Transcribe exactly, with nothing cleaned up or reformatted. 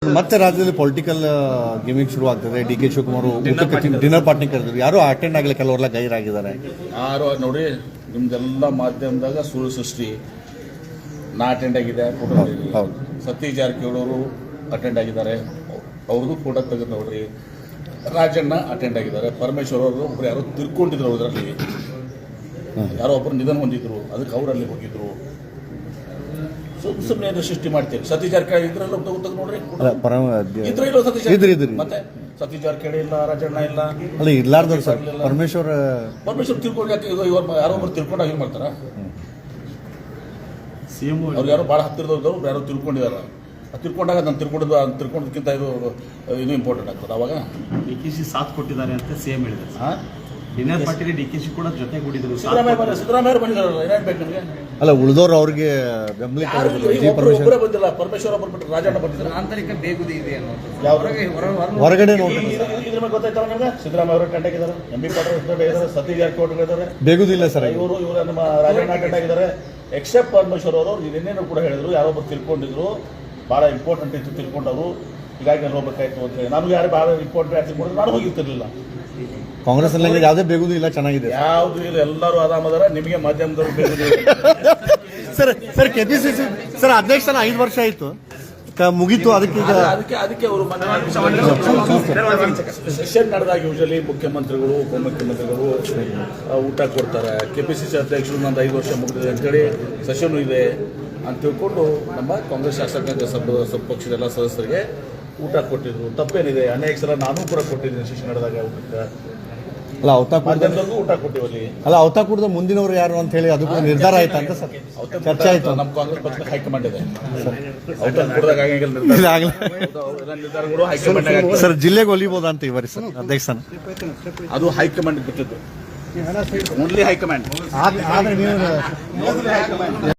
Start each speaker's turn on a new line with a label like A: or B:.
A: ಮತ್ತೆ ರಾಜ್ಯದಲ್ಲಿ political gaming ಶುರು ಆಗ್ತದೆ. ಡಿ ಕೆ ಶಿವಕುಮಾರ್ ಊಟಕ್ಕೆ ಡಿನ್ನರ್ ಪಾರ್ಟಿ ಕರೆದಿದ್ರು, ಯಾರು ಅಟೆಂಡ್ ಆಗಲಿ, ಕೆಲವರೆಲ್ಲ ಗೈರಾಗಿದ್ದಾರೆ.
B: ಯಾರು ನೋಡಿ, ನಿಮ್ದೆಲ್ಲ ಮಾಧ್ಯಮದಾಗ ಸುಳ್ಳು ಸೃಷ್ಟಿ. ನಾ ಅಟೆಂಡ್ ಆಗಿದೆ, ಫೋಟೋ
A: ಹೌದು.
B: ಸತೀಶ್ ಜಾರಕಿಹೊಳಿ ಅವರು ಅಟೆಂಡ್ ಆಗಿದ್ದಾರೆ, ಅವ್ರದ್ದು ಫೋಟೋ ತೆಗೆದು ನೋಡ್ರಿ. ರಾಜಣ್ಣ ಅಟೆಂಡ್ ಆಗಿದ್ದಾರೆ. ಪರಮೇಶ್ವರ್ ಅವರು ಒಬ್ರು ಯಾರೋ ತಿರ್ಕೊಂಡಿದ್ರು, ಅದರಲ್ಲಿ ಯಾರೋ ಒಬ್ಬರು ನಿಧನ ಹೊಂದಿದ್ರು, ಅದಕ್ಕೆ ಅವರಲ್ಲಿ ಹೋಗಿದ್ರು. ಸುಮ್ಮನೆ ಸುಮ್ಮನೆ ಸೃಷ್ಟಿ ಮಾಡ್ತೀವಿ. ಸತೀಶ್ ಜಾರಕಿಹೊಳಿ ಇದ್ರಲ್ಲ ತೆಗೆದು ನೋಡ್ರಿ, ಇದ್ರು ಇಲ್ಲ ಸತೀಶ್ ಜಾರಕಿಹೊಳಿ. ಮತ್ತೆ ಸತೀಶ್ ಜಾರಕಿಹೊಳಿ ಇಲ್ಲ, ರಾಜಣ್ಣ ಇಲ್ಲ,
A: ಅಲ್ಲ ಇರ್ಲಾರ್ದವ್ರು ಸರ್. ಪರಮೇಶ್ವರ್
B: ಪರಮೇಶ್ವರ್ ತಿಳ್ಕೊಂಡು ಯಾಕೆ ಯಾರೋ ಒಬ್ರು ತಿಳ್ಕೊಂಡಾಗ ಏನು ಮಾಡ್ತಾರ? ಅವ್ರು ಯಾರೋ ಭಾಳ ಹತ್ತಿರದವ್ರು ಯಾರೋ ತಿಳ್ಕೊಂಡಿದ್ದಾರೆ. ತಿಳ್ಕೊಂಡಾಗ ನಾನು ತಿಳ್ಕೊಂಡಿದ್ದು ತಿಳ್ಕೊಂಡದಕ್ಕಿಂತ ಇದು ಇನ್ನೂ ಇಂಪಾರ್ಟೆಂಟ್ ಆಗ್ತದೆ. ಅವಾಗ
C: ಡಿ ಕೆ ಶಿ ಸಾಥ್ ಕೊಟ್ಟಿದ್ದಾರೆ ಅಂತ ಸಿಎಂ ಹೇಳಿದ್ದಾರೆ. ಡಿನ್ನರ್ ಪಾರ್ಟಿಗೆ ಡಿ ಕೆ ಶಿ ಕೂಡ ಜೊತೆಗೂಡಿದ್ರು.
B: ಸಿದ್ದರಾಮಯ್ಯ ಸಿದ್ದರಾಮಯ್ಯ ಬಂದಿದ್ದಾರಲ್ಲ, ಏನೇನು ಬೇಕು ನಿಮಗೆ?
A: ಅಲ್ಲ ಉಳಿದವ್ರು ಅವ್ರಿಗೆ ಬೆಂಬಲಿತ
B: ಒಬ್ಬರೇ ಬಂದಿಲ್ಲ. ಪರಮೇಶ್ವರ ಬಂದ್ಬಿಟ್ಟು ರಾಜಣ್ಣ ಬಂದಿದ್ದಾರೆ.
D: ಆಂತರಿಕ ಬೇಗುದಿ ಇದೆ
A: ಹೊರಗಡೆ ನೋಡಿ.
B: ಇದ್ರ ಮೇಲೆ ಗೊತ್ತಾಯ್ತಲ್ಲ ನಿಮ್ಗೆ? ಸಿದ್ದರಾಮಯ್ಯ ಅವರು ಅಟೆಂಡ್ ಆಗಿದ್ದಾರೆ, ಎಂ ಬಿ ಪಾಟೀಲ್ ಇದ್ದಾರೆ, ಸತೀಶ್ ಜಾರಕಿಹೊಳಿ ಇದ್ದಾರೆ,
A: ಬೇಗುದಿಲ್ಲ ಸರ್.
B: ಇವರು ಇವರು ನಮ್ಮ ರಾಜಣ್ಣ ಅಟೆಂಡ್ ಆಗಿದ್ದಾರೆ. ಎಕ್ಸೆಪ್ಟ್ ಪರಮೇಶ್ವರ್ ಅವರು ಇನ್ನೇನು ಕೂಡ ಹೇಳಿದ್ರು, ಯಾರೊಬ್ಬರು ತಿಳ್ಕೊಂಡಿದ್ರು, ಭಾಳ ಇಂಪಾರ್ಟೆಂಟ್ ಇತ್ತು ತಿಳ್ಕೊಂಡವರು, ಹೀಗಾಗಿ ನಾನು ಹೋಗ್ಬೇಕಾಯ್ತು ಅಂತ ಹೇಳಿ. ನನಗೆ ಯಾರು ಭಾಳ ಇಂಪಾರ್ಟೆಂಟ್ ಆಗಿ ತಿಳ್ಕೊಂಡ್ರೆ ನಾನು ಹೋಗಿರ್ತಿರ್ಲಿಲ್ಲ.
A: ಕಾಂಗ್ರೆಸ್ ಅಲ್ಲಿ ಯಾವುದೇ ಬೇಗುದು ಇಲ್ಲ, ಚೆನ್ನಾಗಿದೆ.
B: ಯಾವುದು ಇಲ್ಲ, ಎಲ್ಲರೂ ಆರಾಮದಾರ. ನಿಮಗೆ ಮಾಧ್ಯಮದವರು ಬೇಗುದು
A: ಸರ್. ಸರ್ ಕೆಪಿಸಿಸಿ ಸರ್ ಅಧ್ಯಕ್ಷನ ಐದು ವರ್ಷ ಆಯ್ತು, ಮುಗೀತು. ಅದಕ್ಕೆ ಈಗ
B: ಅದಕ್ಕೆ ಅದಕ್ಕೆ ಅವರು ಸೆಷನ್ ನಡೆದಾಗ ಯೂಶಲಿ ಮುಖ್ಯಮಂತ್ರಿಗಳು, ಉಪಮುಖ್ಯಮಂತ್ರಿಗಳು ಊಟ ಕೊಡ್ತಾರೆ. ಕೆಪಿಸಿಸಿ ಅಧ್ಯಕ್ಷರು ನಂದು ಐದು ವರ್ಷ ಮುಗಿದಿದೆ ಅಂತೇಳಿ ಸೆಷನ್ ಇದೆ ಅಂತ ತಿಳ್ಕೊಂಡು ನಮ್ಮ ಕಾಂಗ್ರೆಸ್ ಶಾಸಕಾಂಗ ಸಭ ಪಕ್ಷದ ಎಲ್ಲ ಸದಸ್ಯರಿಗೆ ಊಟ ಕೊಟ್ಟಿದ್ರು. ತಪ್ಪೇನಿದೆ? ಅನೇಕ ಸಲ ನಾನು ಕೂಡ ಕೊಟ್ಟಿದ್ದೀನಿ ಸೆಷನ್ ನಡೆದಾಗ ಊಟಕ್ಕೆ.
A: ಅಲ್ಲ ಅವತಾಕೂರ್ದ
B: ಊಟ ಕೊಟ್ಟಿವಲ್ಲಿ.
A: ಅಲ್ಲ ಅವತಾಕೂರ್ದ ಮುಂದಿನವರು ಯಾರು ಅಂತ ಹೇಳಿ ಅದು ಕೂಡ ನಿರ್ಧಾರ ಆಯ್ತು ಅಂತ ಸರ್ ಚರ್ಚೆ ಆಯ್ತು.
B: ನಮ್ಮ ಕಾಂಗ್ರೆಸ್ ಪಕ್ಷದ ಹೈಕಮಾಂಡ್ ಇದೆ. ಅವತಾಕೂರ್ದಾಗ ನಿರ್ಧಾರಗಳು ಹೈಕಮಾಂಡ್.
A: ಸರ್ ಜಿಲ್ಲೆಗೆ ಒಲಿಬೋದಾ ಅಂತ ಇವರಿ ಸರ್ ಅಧ್ಯಕ್ಷನ?
B: ಅದು ಹೈಕಮಾಂಡ್ ಬಿಟ್ಟಿದ್ದು, ಓನ್ಲಿ ಹೈಕಮಾಂಡ್.